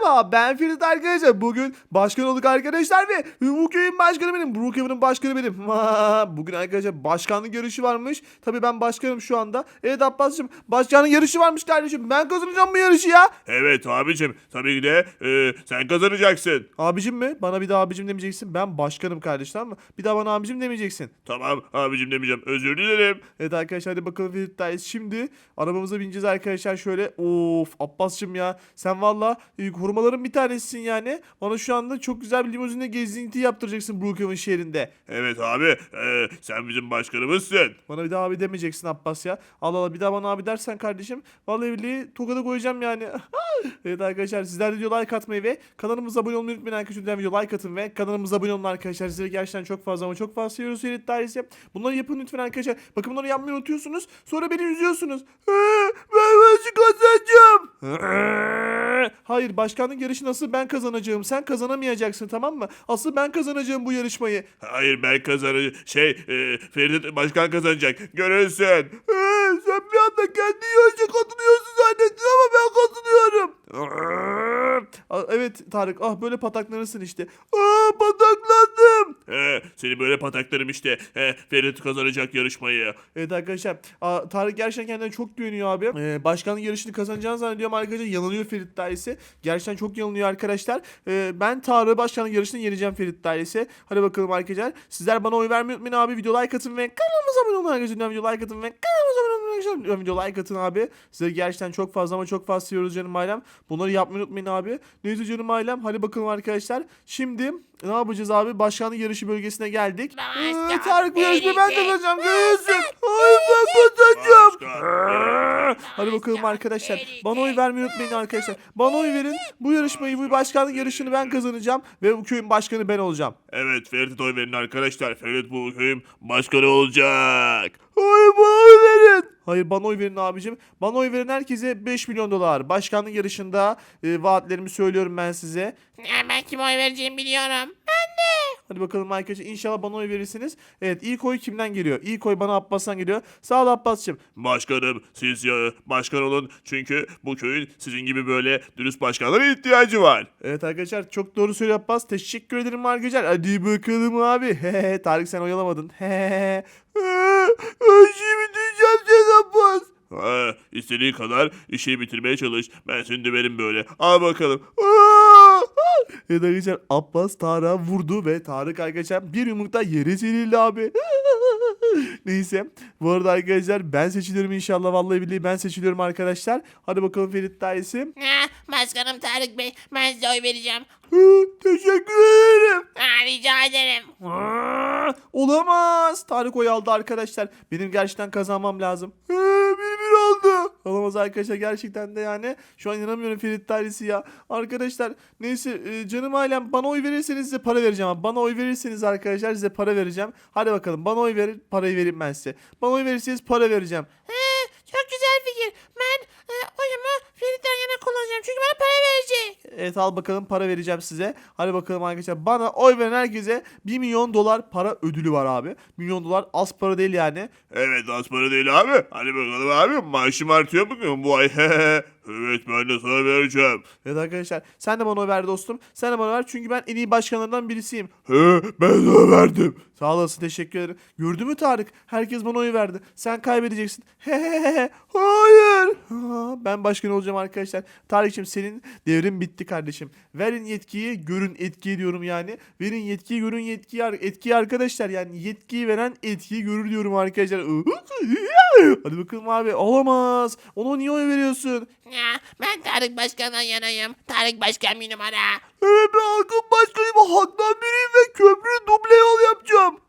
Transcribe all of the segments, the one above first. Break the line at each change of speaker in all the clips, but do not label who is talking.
Merhaba, ben Ferit arkadaşlar. Bugün başkan olduk arkadaşlar ve bu köyün başkanı benim. Brookhaven'ın başkanı benim. Bugün arkadaşlar başkanlık yarışı varmış. Tabii ben başkanım şu anda. Evet Abbas'cığım, başkanlık yarışı varmış kardeşim. Ben kazanacağım bu yarışı ya.
Evet abicim, tabii ki de sen kazanacaksın.
Abicim mi? Bana bir daha abicim demeyeceksin. Ben başkanım kardeş, tamam mı? Bir daha bana abicim demeyeceksin.
Tamam abicim demeyeceğim, özür dilerim.
Evet arkadaşlar, hadi bakalım Ferit'teyiz. Şimdi arabamıza bineceğiz arkadaşlar şöyle. Of Abbas'cığım ya. Sen valla korumaların bir tanesisin yani. Bana şu anda çok güzel bir limuzinle gezinti yaptıracaksın Brookhaven şehrinde.
Evet abi, sen bizim başkanımızsın.
Bana bir daha abi demeyeceksin Abbas ya. Allah Allah, bir daha bana abi dersen kardeşim, vallahi billahi tokada koyacağım yani. Evet arkadaşlar, sizler de video like atmayı ve kanalımıza abone olmayı unutmayın arkadaşlar. Lütfen video like atın ve kanalımıza abone olun arkadaşlar. Sizleri gerçekten çok fazla ama çok fazla seviyoruz Ferit dairesi. Bunları yapın lütfen arkadaşlar. Bakın bunları yapmayı unutuyorsunuz. Sonra beni üzüyorsunuz. Ben nasıl kazanacağım? Hayır, başkanlık yarışı nasıl ben kazanacağım? Sen kazanamayacaksın, tamam mı? Asıl ben kazanacağım bu yarışmayı.
Hayır, ben kazanacağım. Ferit başkan kazanacak. Görürsün.
Sen bir anda kendi yarışa katılıyorsun zannettin ama ben katılıyorum. Evet Tarık, böyle pataklanırsın işte. Pataklandım.
Seni böyle pataklarım işte. Ferit kazanacak yarışmayı.
Evet arkadaşlar, Tarık gerçekten kendine çok güveniyor abi. Başkanlık yarışını kazanacağını zannediyorum arkadaşlar. Yanılıyor Ferit dairesi. Gerçekten çok yanılıyor arkadaşlar. Ben Tarık'ı başkanlık yarışını yeneceğim Ferit dairesi. Hadi bakalım arkadaşlar. Sizler bana oy vermeyi unutmayın abi. Video like atın ve kanalımıza abone olun arkadaşlar. Video like atın ve kanalımıza abone olun arkadaşlar. Video like atın abi. Sizleri gerçekten çok fazla ama çok fazla seviyoruz canım ailem. Bunları yapmayı unutmayın abi. Neyse canım ailem. Hadi bakalım arkadaşlar. Şimdi ne yapacağız abi? Başkanlık yarışı bölgesine geldik. Tarık, bu yarışmayı ben kazanacağım. Görüyorsun. Hayır, ben kazanacağım. Hadi bakalım arkadaşlar. Bana oy vermeyi unutmayın arkadaşlar. Bana oy verin. Bu yarışmayı, bu başkanlık yarışını ben kazanacağım. Ve bu köyün başkanı ben olacağım.
Evet, Ferit'e oy verin arkadaşlar. Ferit bu köyün başkanı olacak.
Hayır, bana oy verin. Hayır, bana oy verin abicim. Bana oy verin herkese 5 milyon dolar. Başkanlık yarışında vaatlerimi söylüyorum ben size.
Ya ben kime oy vereceğimi biliyorum.
Hadi bakalım arkadaşlar, inşallah bana oy verirsiniz. Evet, ilk oy kimden geliyor? İlk oy bana Abbas'tan geliyor. Sağ ol Abbas'cığım.
Başkanım, siz başkan olun. Çünkü bu köyün sizin gibi böyle dürüst başkanlara ihtiyacı var.
Evet arkadaşlar, çok doğru söylüyor Abbas. Teşekkür ederim arkadaşlar. Hadi bakalım abi. Tarık, sen oyalamadın. Şimdi diyeceğim sen Abbas.
İstediğin kadar işi bitirmeye çalış. Ben seni döverim böyle. Al bakalım.
Evet arkadaşlar, Abbas Tarık'a vurdu ve Tarık arkadaşlar bir yumrukta yere serildi abi. Neyse, bu arada arkadaşlar ben seçiliyorum inşallah, vallahi billahi ben seçiliyorum arkadaşlar. Hadi bakalım Ferit dairesi.
Başkanım Tarık Bey, ben size oy vereceğim.
Teşekkür ederim.
Rica ederim.
Olamaz. Tarık oy aldı arkadaşlar. Benim gerçekten kazanmam lazım. Bir oldu. Olamaz arkadaşlar, gerçekten de yani. Şu an inanamıyorum Ferit dairesi ya. Arkadaşlar neyse, canım ailem, bana oy verirseniz size para vereceğim. Abi. Bana oy verirseniz arkadaşlar size para vereceğim. Hadi bakalım, bana oy verin, parayı vereyim ben size. Bana oy verirseniz para vereceğim.
Çok güzel fikir. Ben oyumu Ferit'ten yana kullanacağım. Çünkü bana para verecek.
Evet, al bakalım, para vereceğim size. Hadi bakalım arkadaşlar, bana oy veren herkese 1 milyon dolar para ödülü var abi. 1 milyon dolar az para değil yani.
Evet, az para değil abi. Hadi bakalım abi. Maaşım artıyor bugün bu ay. Evet, ben de sana vereceğim.
Evet arkadaşlar, sen de bana oy ver dostum. Sen de bana ver, çünkü ben en iyi başkanlardan birisiyim.
Ben sana verdim.
Sağ olasın, teşekkür ederim. Gördün mü Tarık? Herkes bana oy verdi. Sen kaybedeceksin. Hayır. Ben başkan olacağım arkadaşlar. Tarık'cığım, senin devrin bitti kardeşim. Verin yetkiyi, görün etkiyi diyorum yani. Verin yetkiyi, görün yetkiyi, etkiyi arkadaşlar. Yani yetkiyi veren etkiyi görür diyorum arkadaşlar. Hadi bakalım abi. Olamaz. Ona niye oy veriyorsun?
Ben Tarık Başkan'dan yanayım. Tarık Başkan bir numara.
Ben halkın başkanıyım. Halktan biriyim ve köprü duble yol yapacağım.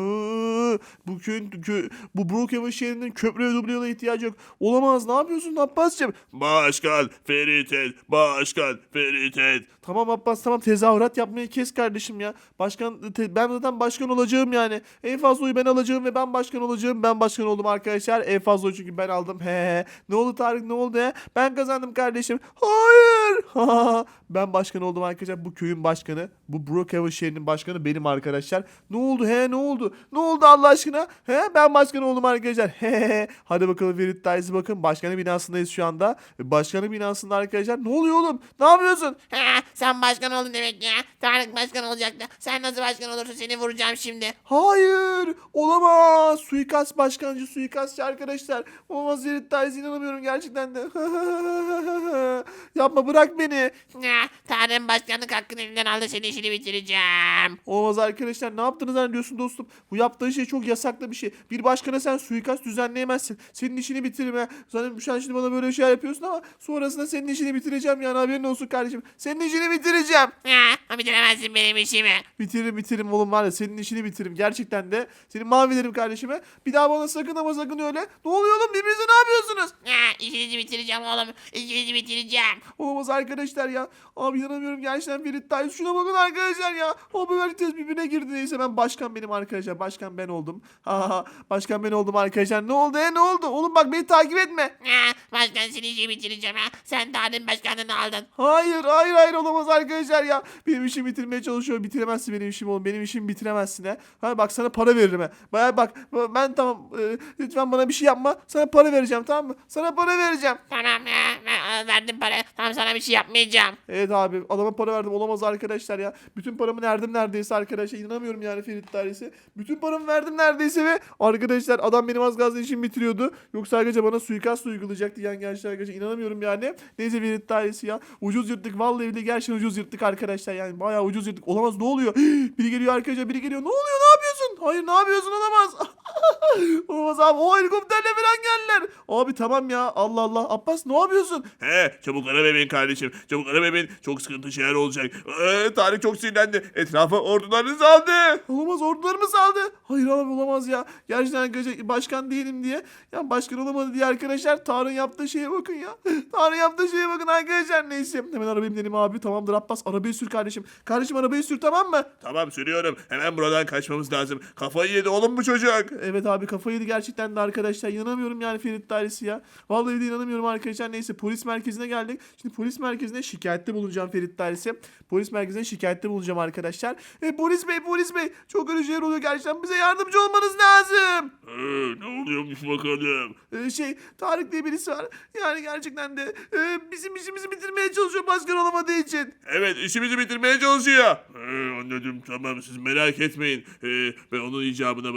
Bu Brookhaven şehrinin köprü ve duble yola ihtiyacı yok. Olamaz. Ne yapıyorsun Abbas'cığım?
Başkan Ferit et. Başkan Ferit et.
Tamam Abbas, tamam, tezahürat yapmayı kes kardeşim ya. Ben zaten başkan olacağım yani. En fazla oyu ben alacağım ve ben başkan olacağım. Ben başkan oldum arkadaşlar. En fazla oyu çünkü ben aldım. Ne oldu Tarık, ne oldu ya? Ben kazandım kardeşim. Hayır. Ben başkan oldum arkadaşlar. arkadaşlar bu köyün başkanı, bu Brookhaven şehrinin başkanı benim arkadaşlar. Ne oldu ne oldu? Ne oldu Allah aşkına? Ben başkan oldum arkadaşlar. Hadi bakalım Ferit Dairesi, bakın başkanın binasındayız şu anda. Başkanın binasında arkadaşlar. Ne oluyor oğlum? Ne yapıyorsun?
Ha, sen başkan oldun demek ya. Tarık başkan olacaktı. Sen nasıl başkan olursun, seni vuracağım şimdi.
Hayır, olamaz. Suikast başkancı, suikastçı arkadaşlar. Olamaz Ferit Dairesi, inanamıyorum gerçekten de. Yapma, bırak beni.
Ha, Tarık'ın başkanlık hakkını elinden aldı, senin işini bitireceğim.
Olmaz arkadaşlar, ne yaptığını zannediyorsun dostum? Bu yaptığın şey çok yasaklı bir şey. Bir başkana sen suikast düzenleyemezsin. Senin işini bitiririm ha. Sen şimdi bana böyle şey yapıyorsun ama sonrasında senin işini bitireceğim yani, haberin olsun kardeşim. Senin işini bitireceğim.
Ha, bitiremezsin benim işimi.
Bitiririm oğlum, var ya senin işini bitiririm. Gerçekten de seni mahvederim kardeşime. Bir daha bana sakın ama sakın öyle. Ne oluyor oğlum, birbirinize ne yapıyorsunuz?
Ha, işinizi bitireceğim oğlum. İşinizi bitireceğim.
Olamaz arkadaşlar ya. Abi inanamıyorum gerçekten Ferit Dairesi. Şuna bakın arkadaşlar ya. Abi herkes birbirine girdi. Neyse, ben başkan benim arkadaşlar. Başkan ben oldum. Başkan ben oldum arkadaşlar. Ne oldu ne oldu? Oğlum bak, beni takip etme.
Ha, başkan, senin işini bitireceğim ha. Sen Tarık'ın başkanlığını aldın.
Hayır olamaz arkadaşlar ya. Benim işimi bitirmeye çalışıyor. Bitiremezsin benim işimi oğlum. Benim işimi bitiremezsin ha. Bak sana para veririm ha. Bak ben tamam. Lütfen bana bir şey yapma. Sana para vereceğim, tamam mı? Sana para vereceğim.
Tamam ya, ben verdim para. Tamam, sana bir şey yapmayacağım.
Evet abi, adama para verdim, olamaz arkadaşlar ya. Bütün paramı verdim neredeyse arkadaşlar, inanamıyorum yani Ferit Dairesi. Bütün paramı verdim neredeyse ve arkadaşlar adam benim az gazla işimi bitiriyordu. Yoksa arkadaşlar bana suikast uygulayacaktı yani, gerçekten arkadaşlar inanamıyorum yani. Neyse Ferit Dairesi ya, ucuz yırttık vallahi bile, gerçekten ucuz yırttık arkadaşlar yani, bayağı ucuz yırttık. Olamaz, ne oluyor? Biri geliyor arkadaşlar, biri geliyor. Ne oluyor, ne yapıyorsun? Hayır, ne yapıyorsun, olamaz. Olamaz abi, o helikopterle falan geldiler. Abi tamam ya, Allah Allah. Abbas, ne yapıyorsun?
Çabuk ara bebeğin kardeşim. Çabuk ara bebeğin. Çok sıkıntı şeyler olacak. Tarık çok sinirlendi. Etrafa ordularını saldı.
Olamaz, ordularımı saldı. Hayır abi, olamaz ya. Gerçekten arkadaşlar başkan değilim diye. Ya başkan olamadı diye arkadaşlar. Tarık'ın yaptığı şeye bakın ya. Tarık'ın yaptığı şeye bakın arkadaşlar. Neyse, hemen arabaya binelim abi. Tamamdır Abbas, arabayı sür kardeşim. Kardeşim arabayı sür, tamam mı?
Tamam, sürüyorum. Hemen buradan kaçmamız lazım. Kafayı yedi oğlum bu çocuk.
Evet abi, kafayı yedi gerçekten de arkadaşlar. İnanamıyorum yani Ferit Dairesi ya. Vallahi de inanamıyorum arkadaşlar. Neyse, polis merkezine geldik. Şimdi polis merkezine şikayette bulunacağım Ferit Dairesi. Polis merkezine şikayette bulunacağım arkadaşlar. Polis bey çok kötü şeyler oluyor gerçekten. Bize yardımcı olmanız lazım.
Ne oluyormuş bakalım.
Tarık diye birisi var. Yani gerçekten de bizim işimizi bitirmeye çalışıyor başkan olamadığı için.
Evet, işimizi bitirmeye çalışıyor. Anladım, tamam, siz merak etmeyin. Ben onun icabına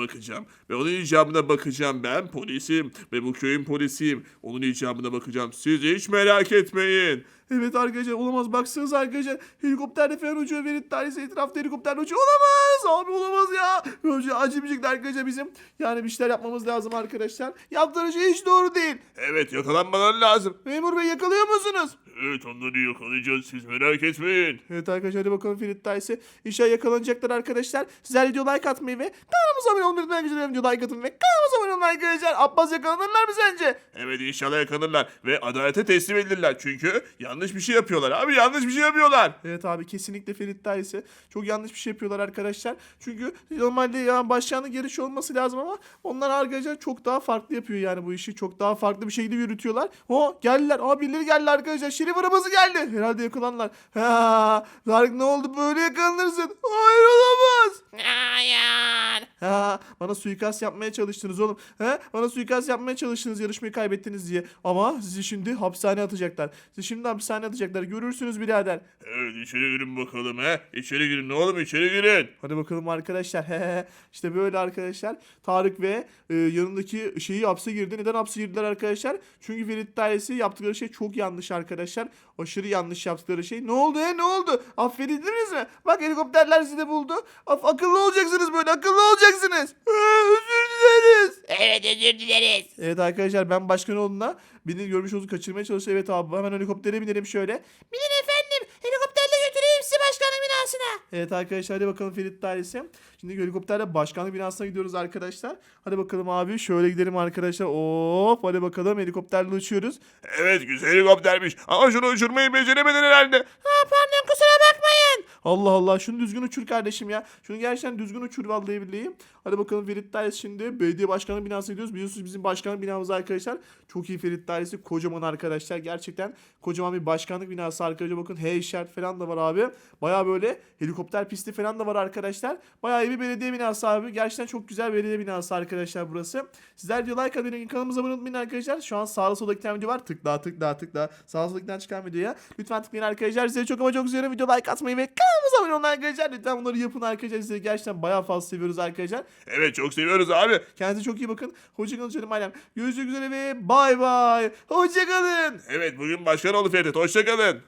bakacağım. Ben polisim ve bu köyün polisiyim. Onun icabına bakacağım. Siz hiç merak etmeyin.
Evet arkadaşlar, olamaz, baksanız arkadaşlar, helikopterde falan uçuyor Ferit Dairesi, etrafta helikopterle uçuyor, olamaz abi, olamaz ya. Böyle acımayacak arkadaşlar bizim. Yani bir şeyler yapmamız lazım arkadaşlar. Yaptığınız şey hiç doğru değil.
Evet, yakalanmaları lazım.
Memur bey, yakalıyor musunuz?
Evet, onları yakalayacağız, siz merak etmeyin.
Evet arkadaşlar, hadi bakalım Ferit Dairesi. İnşallah yakalanacaklar arkadaşlar. Sizler video like atmayı ve kanalımıza abone olmayı unutmayın arkadaşlar. Video like atın ve kanalımıza abone olmayı arkadaşlar. Abbas, yakalanırlar mı sence?
Evet, inşallah yakalanırlar ve adalete teslim edilirler. Çünkü yanlış bir şey yapıyorlar abi, yanlış bir şey yapıyorlar.
Evet abi, kesinlikle Ferit Dairesi. Çok yanlış bir şey yapıyorlar arkadaşlar. Çünkü normalde ya başkanlık yarışı olması lazım ama onlar arkadaşlar çok daha farklı yapıyor yani bu işi. Çok daha farklı bir şekilde yürütüyorlar. Geldiler. Birileri geldi arkadaşlar. Şerif arabası geldi. Herhalde yakalanlar. Tarık, ne oldu, böyle yakalanırsın. Hayır, olamaz.
Hayır.
Bana suikast yapmaya çalıştınız oğlum. Bana suikast yapmaya çalıştınız yarışmayı kaybettiniz diye. Ama sizi şimdi hapishaneye atacaklar. Görürsünüz birader.
Evet, içeri girin bakalım İçeri girin oğlum, içeri girin.
Hadi bakalım arkadaşlar. İşte böyle arkadaşlar. Tarık ve yanındaki şeyi hapse girdi. Neden hapse girdiler arkadaşlar? Çünkü Ferit Dairesi yaptıkları şey çok yanlış arkadaşlar. Aşırı yanlış yaptıkları şey. Ne oldu ne oldu? Affedildiniz mi? Bak, helikopterler sizi de buldu. Akıllı olacaksınız böyle. Akıllı olacaksınız. Özür dileriz.
Evet, özür dileriz.
Evet arkadaşlar, ben başkan olduğuna beni görmüş olduğunuzu kaçırmaya çalışıyor. Evet abi, hemen helikoptere binelim şöyle.
Bilin efendim, helikopterle götüreyim sizi başkanın binasına.
Evet arkadaşlar, hadi bakalım Ferit Dairesi. Şimdi helikopterle başkanlık binasına gidiyoruz arkadaşlar. Hadi bakalım abi, şöyle gidelim arkadaşlar. Hadi bakalım, helikopterle uçuyoruz.
Evet, güzel helikoptermiş ama şunu uçurmayı beceremedin herhalde.
Pardon, kusura bakmayın.
Allah Allah, şunu düzgün uçur kardeşim ya. Şunu gerçekten düzgün uçur vallahi billahi. Hadi bakalım Ferit Dairesi, şimdi belediye başkanı binasına gidiyoruz. Biliyorsunuz bizim başkanlık binamız arkadaşlar. Çok iyi Ferit Dairesi, kocaman arkadaşlar. Gerçekten kocaman bir başkanlık binası arkadaşlar. Bakın H işaret falan da var abi. Baya böyle helikopter pisti falan da var arkadaşlar. Baya iyi bir belediye binası abi. Gerçekten çok güzel belediye binası arkadaşlar burası. Sizler diyor like atmayı, kanalımıza abone olmayı arkadaşlar. Şu an sağda solda iki tane video var. Tıkla tıkla tıkla. Sağda solda iki tane çıkan videoya lütfen tıklayın arkadaşlar. Size çok ama çok seviyorum. Video like atmayı ve kanalımıza abone olun arkadaşlar. Lütfen bunları yapın arkadaşlar. Sizi gerçekten bayağı fazla seviyoruz arkadaşlar.
Evet, çok seviyoruz abi.
Kendinize çok iyi bakın. Hoşçakalın canım ailem. Görüşmek üzere ve bay bay. Hoşçakalın.
Evet, bugün başkan oldu Ferit. Hoşçakalın.